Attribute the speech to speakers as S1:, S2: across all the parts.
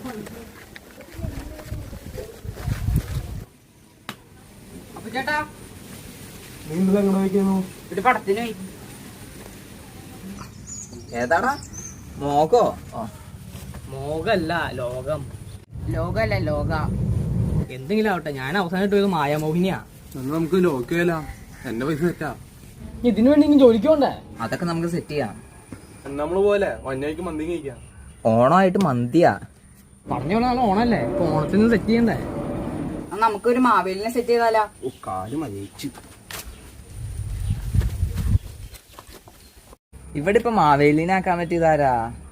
S1: അപ്പൊ ചേട്ടാ
S2: നീ ഇന്നലെ എങ്ങനെ വയ്ക്കുന്നു?
S1: ഒരു പടത്തിന് പോയി. ഏതാടാ? മോഗോ?
S3: മോഗല്ല, ലോകം.
S1: ലോകല്ല ലോക.
S3: എന്തെങ്കിലും ആവട്ടെ, ഞാൻ അവസാനമായിട്ട് പോയത് മായാമോഹിനിയാ.
S2: എന്നാ നമുക്ക് ലോക്കല്ല, എന്റെ പൈസ സെറ്റാ.
S3: ഇതിനു വേണ്ടി ഇനി ജോലിക്ക് പോണ്ടേ?
S1: അതൊക്കെ നമുക്ക് സെറ്റ് ചെയ്യാം.
S2: നമ്മള് പോലെ വന്യക്ക് മന്തി കഴിക്കാം.
S1: ഓണമായിട്ട് മന്തിയാ
S3: പറഞ്ഞ പോലെ നാളെ ഓണല്ലേ, ഇപ്പൊ ഓണത്തിന് സെറ്റ് ചെയ്യണ്ടേ?
S1: നമുക്കൊരു മാവേലിനെ സെറ്റ് ചെയ്താലാ?
S2: കാല് മരിച്ചു.
S1: ഇവിടെ ഇപ്പൊ മാവേലിനെ ആക്കാൻ പറ്റിയതാരാ?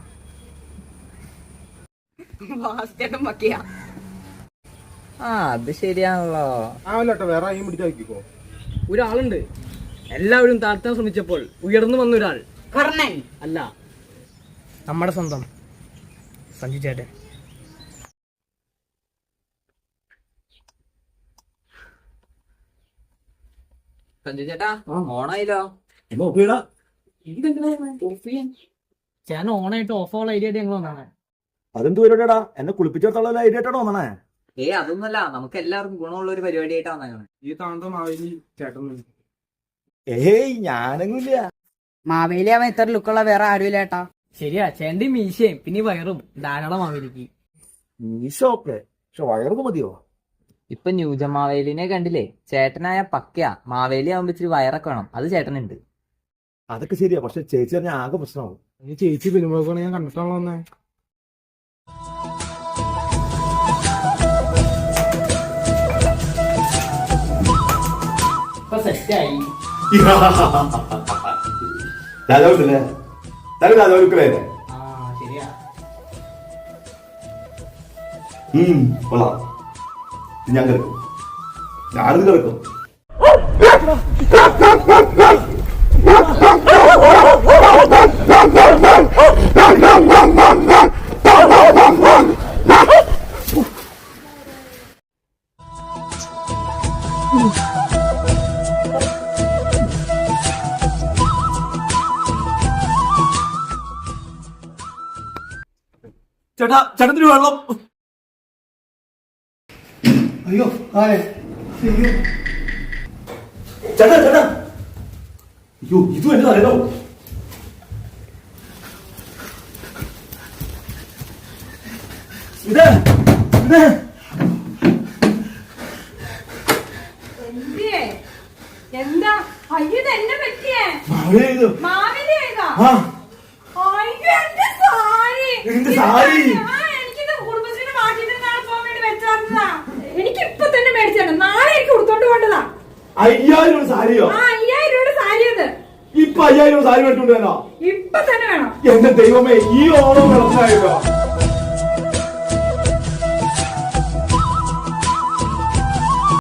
S1: ആ അത് ശരിയാണല്ലോ.
S2: ആവല്ലോട്ടെ, വേറെ ആരെയും പിടിച്ചാക്കിക്കോ.
S3: ഒരാളുണ്ട്, എല്ലാവരും താഴ്ത്താൻ ശ്രമിച്ചപ്പോൾ ഉയർന്നു വന്ന ഒരാൾ.
S1: കർണൻ
S3: അല്ല, നമ്മുടെ സ്വന്തം സഞ്ജു ചേട്ടൻ.
S1: സഞ്ജു ചേട്ടാ, ഓണായില്ലോ.
S3: ചേട്ടൻ ഓണായിട്ട് ഓഫ് ആവുള്ള ഐഡിയ ആയിട്ട് ഞങ്ങൾ വന്നാണ്.
S4: അതെന്ത് പരിപാടിയാടാ? എന്നെ കുളിപ്പിച്ചിടത്തോളം ഐഡിയ ആയിട്ടാണോ വന്നേ?
S1: അതൊന്നുമല്ല, നമുക്ക് എല്ലാവർക്കും ഗുണമുള്ള ഒരു പരിപാടിയായിട്ടാ വന്നേക്കണേ.
S2: ഈ താന്ത മാവേലി ചേട്ടൻ.
S4: ഏയ് ഞാനൊന്നുമില്ല.
S1: മാവേലി അവൻ ഇത്ര ലുക്കുള്ള വേറെ ആരുമില്ല ഏട്ടാ.
S3: ശരിയാ, ചേട്ടന്റെ മീശയും പിന്നെ ഈ വയറും ധാരാളം മാവേലിക്ക്.
S4: മീശോക്കെ, പക്ഷെ വയറൊക്കെ മതിയോ?
S1: ഇപ്പൊ ന്യൂജ മാവേലിനെ കണ്ടില്ലേ? ചേട്ടനായ പക്കയാ. മാവേലി ആവുമ്പോ ഇച്ചിരി വയറൊക്കെ വേണം, അത് ചേട്ടനുണ്ട്.
S4: അതൊക്കെ ശരിയാ, പക്ഷെ ചേച്ചി പറഞ്ഞ ആകെ പ്രശ്നമാവും.
S2: ഈ ചേച്ചി പിന്നുമ്പോഴാണ് ഞാൻ കണ്ടിട്ടാണല്ലോ വന്നേ.
S3: ഇപ്പൊ സെറ്റായി.
S4: രാജാവില്ലേ? രാജാവില്ലേ?
S3: ആ ശരിയാ.
S4: കൊള്ളാം. ഞാൻ കിടക്കും, ഞാനിത് കിടക്കും. ചേട്ടാ, ചേട്ടത്തിന് വെള്ളം. അയ്യോ ചേട്ടാ ചേട്ടാ, അയ്യോ ഇതും എന്റെ തലയിലോ.
S5: എന്താ അയ്യോ എന്നെ പറ്റിയേ? എനിക്കിത് കുടുംബശ്രീയുടെ മാറ്റിട്ട് നാളെ പോകാൻ വേണ്ടി വെച്ചാ. എനിക്ക് ഇപ്പൊ തന്നെ മേടിച്ചാണ്, നാളെ എനിക്ക് കൊടുത്തോണ്ട് പോണ്ടതാ.
S4: 5000 സാരിയോ?
S5: 5000 സാരി. അത്
S4: ഇപ്പൊ 5000 സാരി മേടിച്ചോണ്ട് വരാം.
S5: ഇപ്പൊ തന്നെ വേണം.
S4: എന്റെ ദൈവമേ, ഈ ഓണം വെള്ളത്തിലായിട്ടോ.